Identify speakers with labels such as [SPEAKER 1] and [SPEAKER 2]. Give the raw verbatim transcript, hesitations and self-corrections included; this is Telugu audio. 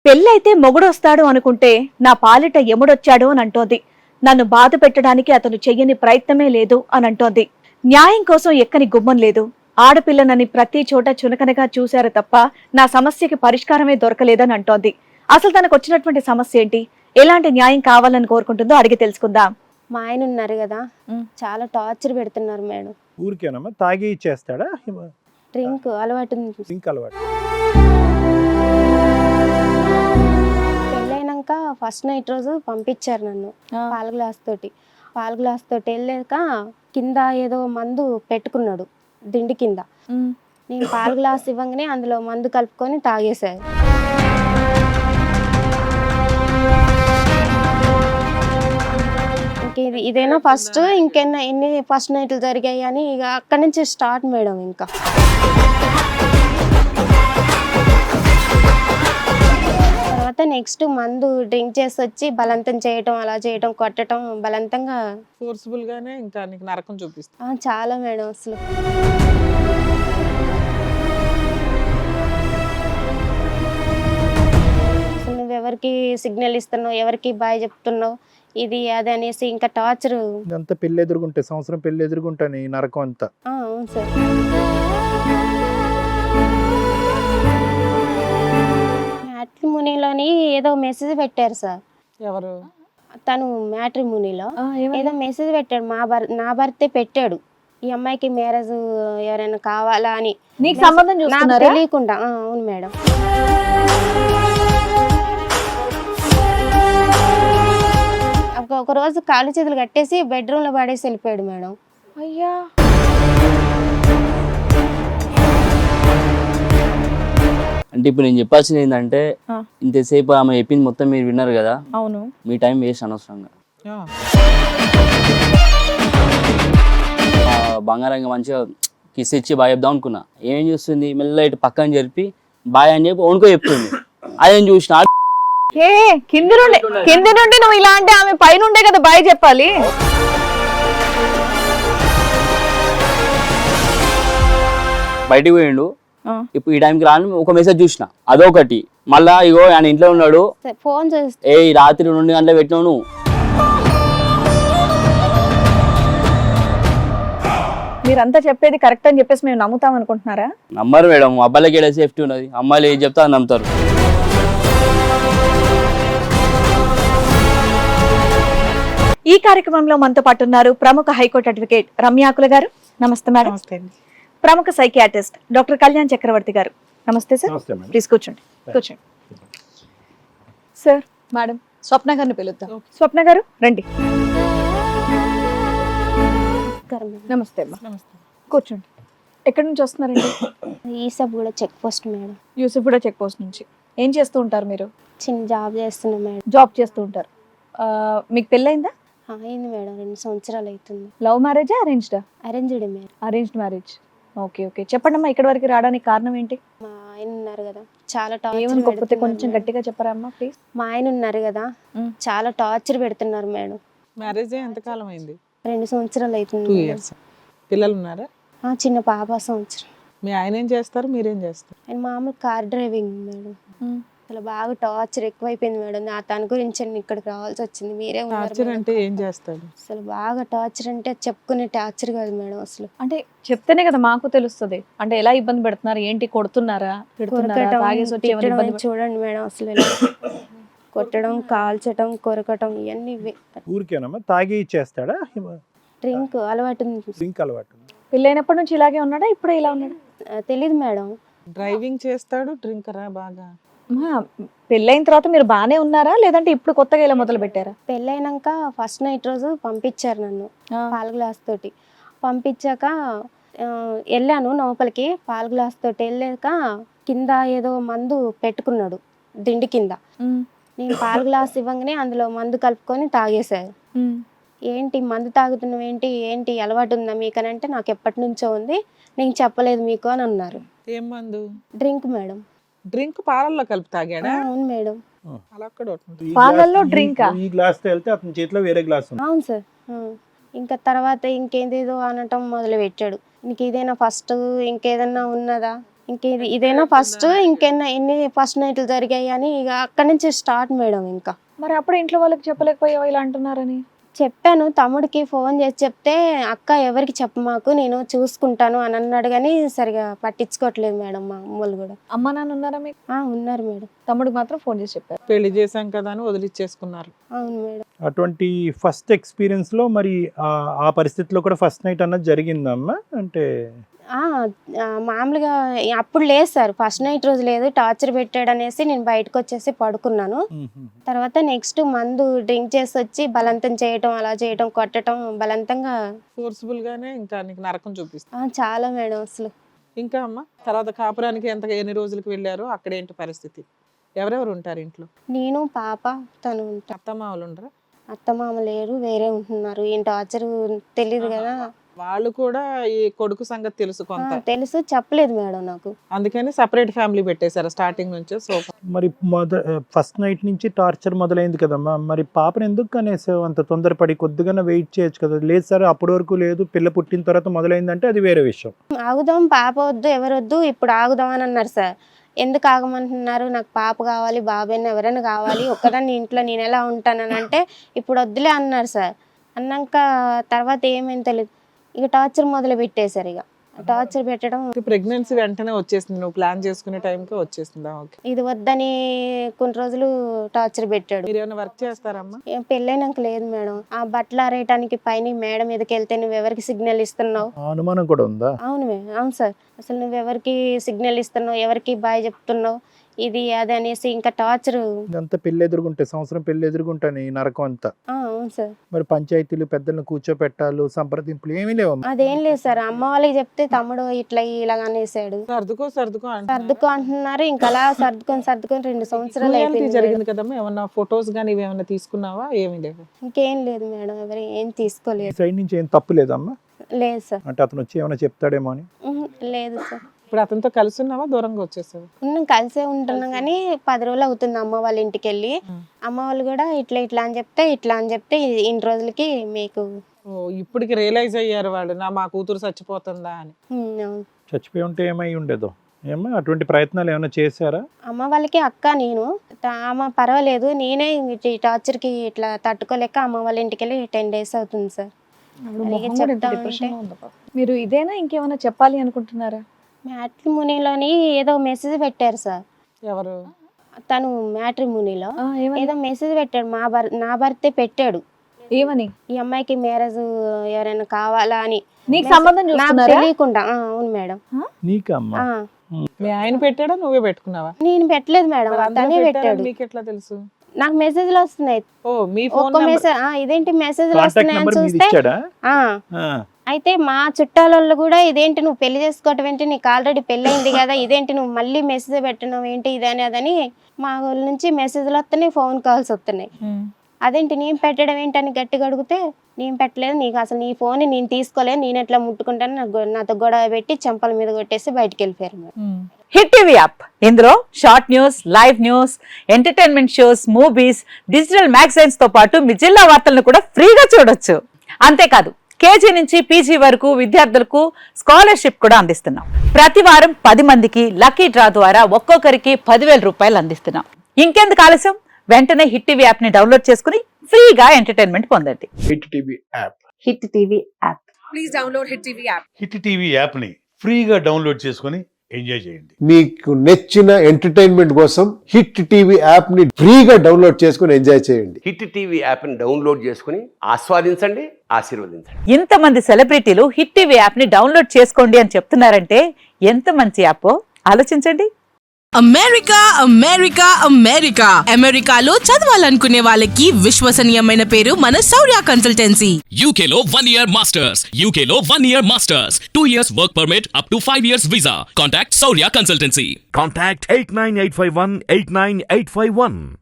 [SPEAKER 1] పెళ్ళైతే మొగుడొస్తాడు అనుకుంటే నా పాలిట ఎముడొచ్చాడు అని అంటోంది. నన్ను బాధ పెట్టడానికి అతను చెయ్యని ప్రయత్నమే లేదు అని అంటోంది. న్యాయం కోసం ఎక్కని గుమ్మం లేదు. ఆడపిల్లనని ప్రతి చోట చునకనగా చూశారు తప్ప నా సమస్యకి పరిష్కారమే దొరకలేదని అంటోంది. అసలు తనకు వచ్చినటువంటి సమస్య ఏంటి, ఎలాంటి న్యాయం కావాలని కోరుకుంటుందో అడిగి తెలుసుకుందాం.
[SPEAKER 2] మా ఆయన ఉన్నారు కదా, చాలా టార్చర్ పెడుతున్నారు మేడం.
[SPEAKER 3] ఊరికేనమ్మా తాగి ఇచ్చేస్తాడా?
[SPEAKER 2] డ్రింక్ అలవాటు ఉంది.
[SPEAKER 3] డ్రింక్ అలవాటు.
[SPEAKER 2] పెళ్ళైనాక ఫస్ట్ నైట్ రోజు పంపించారు నన్ను పాల గ్లాస్ తోటి. పాల గ్లాస్ తోటి వెళ్ళాక కింద ఏదో మందు పెట్టుకున్నాడు దిండి కింద. నేను పాల గ్లాస్ ఇవ్వగానే అందులో మందు కలుపుకొని తాగేశారు. ఇది ఇదేనా ఫస్ట్, ఇంకెన్న ఎన్ని ఫస్ట్ నైట్లు జరిగాయి అని ఇక అక్కడి నుంచి స్టార్ట్ మేడం. ఇంకా తర్వాత నెక్స్ట్ మందు డ్రింక్ చేసి వచ్చి బలవంతం చేయటం, అలా చేయటం, కొట్టడం, బలవంతంగా
[SPEAKER 4] ఫోర్స్ఫుల్ గానే ఇంకా నీకు నరకం చూపిస్తా.
[SPEAKER 2] చాలా మేడం. అసలు నువ్వు ఎవరికి సిగ్నల్ ఇస్తున్నావు, ఎవరికి బాయ్ చెప్తున్నావు, ఇది అది అనేసి ఇంకా టార్చర్.
[SPEAKER 3] ఇదంతా పెళ్లి ఎదుర్కొంటే సంవత్సరం పెళ్లి ఎదుర్కొంటాను ఈ నరకం అంతా.
[SPEAKER 2] అవును సార్. మ్యాట్రిమోనీలోని ఏదో మెసేజ్ పెట్టారు సార్.
[SPEAKER 4] ఎవరు?
[SPEAKER 2] తను మ్యాట్రిమోనీలో ఏదో మెసేజ్ పెట్టాడు. మా భర్ నా భర్తే పెట్టాడు, ఈ అమ్మాయికి మ్యారేజ్ ఎవరైనా కావాలా అని.
[SPEAKER 1] నీకు సంబంధం చూస్తున్నారా?
[SPEAKER 2] తెలియకుండా. అవును మేడం. ఒక రోజు కాళ్ళు చేతులు కట్టేసి బెడ్రూమ్ లో పడేసి వెళ్ళిపోయాడు మేడం.
[SPEAKER 1] అయ్యా,
[SPEAKER 5] అంటే ఇప్పుడు నేను చెప్పాల్సింది ఏంటంటే, ఇంతసేపు ఆమె చెప్పింది మొత్తం మీరు విన్నారు కదా.
[SPEAKER 1] అవును.
[SPEAKER 5] మీ టైం వేస్ట్ అనవసరంగా. బంగారంగా మంచిగా కిస్ ఇచ్చి బాయ్ చెప్దాం అనుకున్నా. ఏం చూస్తుంది, మెల్ల ఇటు పక్కన జరిపి బాయ్ అని చెప్పి ఓనుకో చెప్తుంది. అదేం చూసిన
[SPEAKER 1] ఏ కింది నుండి కింది నుండి నువ్వు ఇలా అంటే ఆమె పైనుండే కదా బాయ్ చెప్పాలి.
[SPEAKER 5] బయటికి పోయిండు. ఇప్పుడు ఈ టైంకి రాను ఒక మెసేజ్ చూసిన, అదొకటి. మళ్ళా ఇగో ఆయన ఇంట్లో ఉన్నాడు,
[SPEAKER 2] ఫోన్ చేస్తే
[SPEAKER 5] ఏ రాత్రి రెండు గంటల పెట్టినావు నువ్వు.
[SPEAKER 1] మీరంతా చెప్పేది కరెక్ట్ అని చెప్పేసి మేము నమ్ముతాం అనుకుంటున్నారా?
[SPEAKER 5] నమ్మరు మేడం. అబ్బాయిలకి ఏడా సేఫ్టీ ఉన్నది, అమ్మాయిలు ఏం చెప్తా అని నమ్ముతారు.
[SPEAKER 1] ఈ కార్యక్రమంలో మనతో పాటు ఉన్నారు ప్రముఖ హైకోర్టు అడ్వకేట్ రమ్యాకుల గారు. నమస్తే మేడం. ప్రముఖ సైకియాట్రిస్ట్ డాక్టర్ కళ్యాణ్ చక్రవర్తి గారు. నమస్తే సార్. ప్లీజ్ కూర్చోండి కూర్చోండి సార్. మేడం స్వప్న గారిని పిలుద్దాం. స్వప్న గారు రండి. నమస్తే అమ్మా. కూర్చోండి. ఎక్కడి నుంచి వస్తున్నారండి?
[SPEAKER 2] ఈసబ్ కూడా చెక్ పోస్ట్ మేడం.
[SPEAKER 1] యూసఫ్ కూడా చెక్ పోస్ట్ నుంచి. ఏం చేస్తూ ఉంటారు మీరు?
[SPEAKER 2] చిన్న జాబ్ చేస్తున్నా మేడం.
[SPEAKER 1] జాబ్ చేస్తూ ఉంటారు. మీకు పెళ్ళయిందా?
[SPEAKER 2] అయింది మేడం, రెండు సంవత్సరాలు అవుతుంది.
[SPEAKER 1] లవ్ మ్యారేజా అరేంజ్డా?
[SPEAKER 2] Arranged madam.
[SPEAKER 1] Arranged marriage. Okay okay. చెప్పండి అమ్మా, ఇక్కడ వరకు రావడానికి కారణం ఏంటి?
[SPEAKER 2] మా ఆయన ఉన్నారు కదా, చాలా
[SPEAKER 1] టార్చర్. కొంచెం గట్టిగా చెప్పరా అమ్మా ప్లీజ్.
[SPEAKER 2] మా ఆయన ఉన్నారు కదా, చాలా టార్చర్ పెడుతున్నారు మేడం.
[SPEAKER 4] మ్యారేజ్ ఎంతకాలం అయింది?
[SPEAKER 2] రెండు సంవత్సరాలు అవుతుంది.
[SPEAKER 4] Two years. పిల్లలు ఉన్నారా?
[SPEAKER 2] చిన్న పాప సంవత్సరం.
[SPEAKER 4] మీ ఆయన ఏం చేస్తారు, మీరేం చేస్తారు?
[SPEAKER 2] ఆయన మామూలు కార్ డ్రైవింగ్ మేడం. అసలు బాగా టార్చర్ ఎక్కువైపోయింది మేడం. నా తన గురించి ఇక్కడికి రావాల్సి వచ్చింది. మీరే
[SPEAKER 4] టార్చర్ అంటే ఏం చేస్తాడు?
[SPEAKER 2] అసలు బాగా టార్చర్ అంటే చెప్పుకునే టార్చర్ కాదు మేడం. అసలు
[SPEAKER 1] అంటే చెప్తేనే కదా మాకు తెలుస్తుంది. అంటే ఎలా ఇబ్బంది పెడుతున్నారు ఏంటి, కొడుతున్నారా?
[SPEAKER 2] చూడండి మేడం, అసలు కొట్టడం, కాల్చడం, కొరకటం ఇవన్నీ.
[SPEAKER 3] ఊరికేనమ్మా తాగి ఇచ్చేస్తాడా?
[SPEAKER 2] డ్రింక్ అలవాటు ఉంది.
[SPEAKER 3] డ్రింక్ అలవాటు.
[SPEAKER 1] పెళ్ళైనప్పటి నుంచి ఇలాగే ఉన్నాడా, ఇప్పుడే ఇలా ఉన్నాడా?
[SPEAKER 2] తెలీదు మేడం.
[SPEAKER 4] డ్రైవింగ్ చేస్తాడు, డ్రింకరా బాగా?
[SPEAKER 1] పెళ్ళైన తర్వాత మీరు బానే ఉన్నారా, లేదంటే ఇప్పుడు కొత్తగా ఇలా మొదలు పెట్టారా?
[SPEAKER 2] పెళ్ళైనాక ఫస్ట్ నైట్ రోజు పంపించారు నన్ను పాల గ్లాస్ తోటి. పంపించాక వెళ్ళాను లోపలికి. పాల గ్లాస్ తోటి వెళ్ళాక కింద ఏదో మందు పెట్టుకున్నాడు దిండి కింద. నేను పాల గ్లాస్ ఇవ్వగానే అందులో మందు కలుపుకొని తాగేశారు. ఏంటి మందు తాగుతున్నావు ఏంటి, ఏంటి అలవాటు ఉందా మీకు అని అంటే, నాకు ఎప్పటి నుంచో ఉంది, నేను చెప్పలేదు మీకు అని అన్నారు.
[SPEAKER 4] ఏం మందు?
[SPEAKER 2] Drink madam.
[SPEAKER 4] డ్రింక్ పాలల్లో కలిపి తాగాడా?
[SPEAKER 2] అవును మేడం.
[SPEAKER 4] అలా కూడా
[SPEAKER 1] పాలల్లో డ్రింక్.
[SPEAKER 3] ఈ గ్లాస్ తో వెళ్తే అతని చేతిలో వేరే గ్లాస్ ఉంది.
[SPEAKER 2] అవును సార్. ఇంకా తర్వాత ఇంకేదేదో అనటం మొదలు పెట్టాడు. నీకు ఇదేనా ఫస్ట్, ఇంకేదన్నా ఉన్నదా, ఇంక ఇది ఇదేనా ఫస్ట్, ఇంకెన్న ఎన్ని ఫస్ట్ నైట్లు జరిగాయి అని ఇక అక్కడి నుంచి స్టార్ట్ మేడం. ఇంకా
[SPEAKER 1] మరి అప్పుడు ఇంట్లో వాళ్ళకి చెప్పలేకపోయావా ఇలా అంటున్నారని?
[SPEAKER 2] చెప్పాను, తమ్ముడికి ఫోన్ చేసి చెప్తే అక్క ఎవరికి చెప్పమాకు నేను చూసుకుంటాను అని అన్నాడు, కానీ సరిగా పట్టించుకోవట్లేదు మేడం మా అమ్మలు కూడా.
[SPEAKER 1] అమ్మ నాన్న ఉన్నారా మీకు?
[SPEAKER 2] ఆ, ఉన్నారు మేడం.
[SPEAKER 1] తమ్ముడికి మాత్రం ఫోన్ చేసి చెప్పారు.
[SPEAKER 4] పెళ్లి చేశాం కదా అని వదిలిచ్చేసుకున్నారు.
[SPEAKER 2] అవును మేడం.
[SPEAKER 3] అటువంటి ఫస్ట్ ఎక్స్పీరియన్స్ లో మరి ఆ- ఆ పరిస్థితిలో కూడా ఫస్ట్ నైట్ అన్నది జరిగిందమ్మా? అంటే
[SPEAKER 2] ఆ, ఆ, మామూలుగా అప్పుడు లేదు సార్, ఫస్ట్ నైట్ రోజు లేదు, టార్చర్ పెట్టాడు అనేసి నేను బయటకు వచ్చేసి పడుకున్నాను. తర్వాత నెక్స్ట్ మందు డ్రింక్ చేసి వచ్చి బలవంతం చేయటం, అలా చేయటం, కొట్టడం, బలవంతంగా.
[SPEAKER 4] ఫోర్స్ఫుల్ గానే ఇంకా నీకు నరకం చూపిస్తా.
[SPEAKER 2] ఆ, చాలా మేడం అసలు.
[SPEAKER 4] ఇంకా అమ్మ తర్వాత కాపురానికి ఎంత ఎన్ని రోజులకు వెళ్ళారో అక్కడ ఏంటి పరిస్థితి? ఎవరెవరు ఉంటారు ఇంట్లో?
[SPEAKER 2] నేను పాప తను ఉంటా.
[SPEAKER 4] అత్తమామలు ఉండరా?
[SPEAKER 2] అత్తమామ లేరు, వేరే ఉంటున్నారు. ఏం టార్చర్ తెలియదు కదా.
[SPEAKER 4] వాళ్ళు కూడా ఈ కొడుకు సంగతి తెలుసు
[SPEAKER 2] ఆ,
[SPEAKER 4] కొంత,
[SPEAKER 2] తెలుసు, చెప్పలేదు మేడం నాకు.
[SPEAKER 4] అందుకని సపరేట్ ఫ్యామిలీ పెట్టేశారు స్టార్టింగ్ నుంచే. సో
[SPEAKER 3] మరి మొద ఫస్ట్ నైట్ నుంచి టార్చర్ మొదలైంది కదమ్మా, మరి పాపను ఎందుకు కనేసావు అంత తొందరపడి? కొద్దిగా వెయిట్ చేయొచ్చు కదా. లేదు సార్ అప్పటి వరకు లేదు, పిల్ల పుట్టిన తర్వాత మొదలైందంటే అది వేరే విషయం.
[SPEAKER 2] ఆగుదాం, పాప వద్దు, ఎవరు వద్దు, ఇప్పుడు ఆగుదాం అని అన్నారు సార్. ఎందుకు ఆగమంటున్నారు? నాకు పాప కావాలి, బాబాయ్ని ఎవరైనా కావాలి, ఒక్కదాన్ని ఇంట్లో నేను ఎలా ఉంటానని అంటే ఇప్పుడు వద్దులే అన్నారు సార్. అన్నాక తర్వాత ఏమైంది తెలియదు, ఇక టార్చర్ మొదలు పెట్టేశారు. ఇక టార్చర్ పెట్టడం,
[SPEAKER 4] ప్రెగ్నెన్సీ వెంటనే వచ్చేసింది, నువ్వు ప్లాన్ చేసుకునే టైంకి వచ్చేసిందా? ఓకే.
[SPEAKER 2] ఇది వద్దని కొన్ని రోజులు టార్చర్ పెట్టాడు.
[SPEAKER 4] మీరు ఏమైనా వర్క్ చేస్తారమ్మా?
[SPEAKER 2] ఏం పెళ్ళైనాక లేదు మేడం. ఆ బట్టలు ఆరేయటానికి పైన మేడం మీదకి వెళ్తే నువ్వు ఎవరికి సిగ్నల్ ఇస్తున్నావు?
[SPEAKER 3] ఆ అనుమానం కూడా ఉందా?
[SPEAKER 2] అవును మే అవును సార్. అసలు నువ్వు ఎవరికి సిగ్నల్ ఇస్తున్నావు, ఎవరికి బాయ్ చెప్తున్నావు, ఇది అది అనేసి ఇంకా టార్చర్.
[SPEAKER 3] ఇదంతా పెళ్లి ఎదురుగుంటే, సంవత్సరం పెళ్లి ఎదురుగుంటాను ఈ నరకం అంతా.
[SPEAKER 2] అవును సార్.
[SPEAKER 3] మరి పంచాయతీలు పెద్దలను కూర్చోపెట్టాలు, సంప్రదింపులు ఏమీ లేవమ్మా?
[SPEAKER 2] అదేం లేదు సార్. అమ్మ వాళ్ళకి చెప్తే తమ్ముడు ఇట్లా ఇలాగ అనేసాడు.
[SPEAKER 4] సర్దుకో సర్దుకో అంటున్నారు.
[SPEAKER 2] సర్దుకో అంటున్నారు. ఇంకా అలా సర్దుకొని సర్దుకొని రెండు సంవత్సరాలు
[SPEAKER 4] Reality
[SPEAKER 2] అయిపోయింది.
[SPEAKER 4] జరిగింది కదమ్మా, ఏమన్నా ఫొటోస్ కానీ ఇవి ఏమన్నా తీసుకున్నావా? ఏమీ లేవు.
[SPEAKER 2] ఇంకేం లేదు మేడం, ఎవరు ఏం తీసుకోలేదు.
[SPEAKER 3] సైడ్ నుంచి ఏం తప్పు లేదమ్మా?
[SPEAKER 2] లేదు సార్.
[SPEAKER 3] అంటే అతను వచ్చి ఏమైనా చెప్తాడేమో అని?
[SPEAKER 2] ఉహు, లేదు సార్.
[SPEAKER 4] ఇప్పుడు అతనితో కలిసి ఉన్నావా, దూరంగా వచ్చేసావు?
[SPEAKER 2] ఉన్నాం, కలిసే ఉంటున్నాం, కానీ పది రోజులు అవుతుంది అమ్మ వాళ్ళ ఇంటికి వెళ్ళి. అమ్మ వాళ్ళు కూడా ఇట్లా ఇట్లా అని చెప్తే ఇట్లా అని చెప్తే ఇన్ని రోజులకి మీకు.
[SPEAKER 4] ఓ ఇప్పటికి రియలైజ్ అయ్యారు వాళ్ళు, నా మా కూతురు చచ్చిపోతుందా అని.
[SPEAKER 2] ఉమ్, అవును.
[SPEAKER 3] చచ్చిపోయి ఉంటే ఏమై ఉండేదో ఏమో. అటువంటి ప్రయత్నాలు ఏమైనా చేశారా?
[SPEAKER 2] అమ్మ వాళ్ళకి అక్క నేను త- అమ్మ పర్వాలేదు, నేనే ఈ టార్చర్కి ఇట్లా తట్టుకోలేక అమ్మ వాళ్ళ ఇంటికి వెళ్ళి టెన్ డేస్ అవుతుంది సార్.
[SPEAKER 1] ఆవిడ
[SPEAKER 2] అలాగే
[SPEAKER 1] మొహం కూడా ఎంత
[SPEAKER 2] చెప్తా
[SPEAKER 1] depression లో
[SPEAKER 2] ఉంటే.
[SPEAKER 1] ఉందో పాపం. మీరు ఇదేనా ఇంకేమైనా చెప్పాలి అనుకుంటున్నారా?
[SPEAKER 2] మ్యాట్రిమోనీలోని ఏదో మెసేజ్ పెట్టారు సార్.
[SPEAKER 4] ఎవరు?
[SPEAKER 2] తను మ్యాట్రిమోనీలో
[SPEAKER 1] ఆ, ఏమని?
[SPEAKER 2] ఏదో మెసేజ్ పెట్టాడు, మా భర్ నా భర్తే పెట్టాడు.
[SPEAKER 1] ఏమని?
[SPEAKER 2] ఈ అమ్మాయికి మ్యారేజ్ ఎవరైనా కావాలా అని.
[SPEAKER 1] నీకు సంబంధం
[SPEAKER 2] నాకు
[SPEAKER 1] చూస్తున్నారా?
[SPEAKER 2] తెలియకుండా. ఆ, అవును మేడం.
[SPEAKER 3] నీకమ్మా?
[SPEAKER 2] ఆ,
[SPEAKER 4] మీ ఆయన పెట్టాడా, నువ్వే పెట్టుకున్నావా?
[SPEAKER 2] నేను పెట్టలేదు మేడం,
[SPEAKER 4] మరి అందరూ
[SPEAKER 2] తనే
[SPEAKER 4] పెట్టారని
[SPEAKER 2] పెట్టాడు.
[SPEAKER 4] మీకు ఎట్లా తెలుసు?
[SPEAKER 2] నాకు మెసేజ్లు వస్తున్నాయి.
[SPEAKER 4] ఓ మీ ఫోన్
[SPEAKER 2] ఒక్క మెసేజ్ ఇదేంటి మెసేజ్లు
[SPEAKER 3] కాంటాక్ట్
[SPEAKER 2] వస్తున్నాయని
[SPEAKER 3] నెంబర్ మీది
[SPEAKER 2] చూస్తే
[SPEAKER 3] ఇచ్చాడా?
[SPEAKER 2] ఆ,
[SPEAKER 3] ఆ.
[SPEAKER 2] అయితే మా చుట్టాలలో కూడా ఇదేంటి నువ్వు పెళ్లి చేసుకోవటం ఏంటి, నీకు ఆల్రెడీ పెళ్ళి అయింది కదా, ఇదేంటి నువ్వు మళ్ళీ మెసేజ్ పెట్టినావు ఏంటి ఇదని అదని మా వాళ్ళ నుంచి మెసేజ్లు వస్తున్నాయి, ఫోన్ కాల్స్ వస్తున్నాయి. అదేంటి నేను పెట్టడం ఏంటని గట్టిగా అడిగితే నేను పెట్టలేదు, నీకు అసలు నీ ఫోన్ నేను తీసుకోలేదు, నేను ఎట్లా ముట్టుకుంటాను, నాకు గొ- నాతో గొడవ పెట్టి చెంపల మీద కొట్టేసి బయటికి వెళ్ళిపోయారు మేడం.
[SPEAKER 6] హిట్ టీవీ యాప్ ఇందులో short news, live news, entertainment shows, movies, digital magazines తో పాటు మీ జిల్లా వార్తలను కూడా ఫ్రీగా చూడొచ్చు. అంతేకాదు కేజీ నుంచి పీజీ వరకు విద్యార్థులకు స్కాలర్షిప్ కూడా అందిస్తున్నాం. ప్రతి వారం పది మందికి లక్కీ డ్రా ద్వారా ఒక్కొక్కరికి పదివేల రూపాయలు అందిస్తున్నాం. ఇంకెందుకు ఆలస్యం, వెంటనే హిట్ టీవీ యాప్ ని డౌన్లోడ్ చేసుకుని ఫ్రీగా ఎంటర్టైన్మెంట్ పొందండి.
[SPEAKER 7] Hit TV app.
[SPEAKER 6] Hit TV app.
[SPEAKER 7] Hit TV యాప్ని ఫ్రీగా డౌన్లోడ్ చేసుకొని ఎంజాయ్ చేయండి.
[SPEAKER 8] మీకు నచ్చిన ఎంటర్టైన్మెంట్ కోసం హిట్ టీవీ యాప్ ని ఫ్రీగా డౌన్లోడ్ చేసుకుని ఎంజాయ్ చేయండి.
[SPEAKER 9] హిట్ టీవీ యాప్ని డౌన్లోడ్ చేసుకుని ఆస్వాదించండి, ఆశీర్వదించండి.
[SPEAKER 6] ఇంతమంది సెలబ్రిటీలు హిట్ టీవీ యాప్ ని డౌన్లోడ్ చేసుకోండి అని చెప్తున్నారంటే ఎంత మంచి యాప్ ఆలోచించండి.
[SPEAKER 10] అమెరికా అమెరికా అమెరికా అమెరికాలో చదవాలనుకునే వాళ్ళకి విశ్వసనీయమైన పేరు మన శౌర్య కన్సల్టెన్సీ.
[SPEAKER 11] యూకేలో వన్ ఇయర్ మాస్టర్స్ యూకేలో one year masters two years work permit up to five years visa. Contact Shourya consultancy.
[SPEAKER 7] Contact eight nine eight five one eight nine eight five one.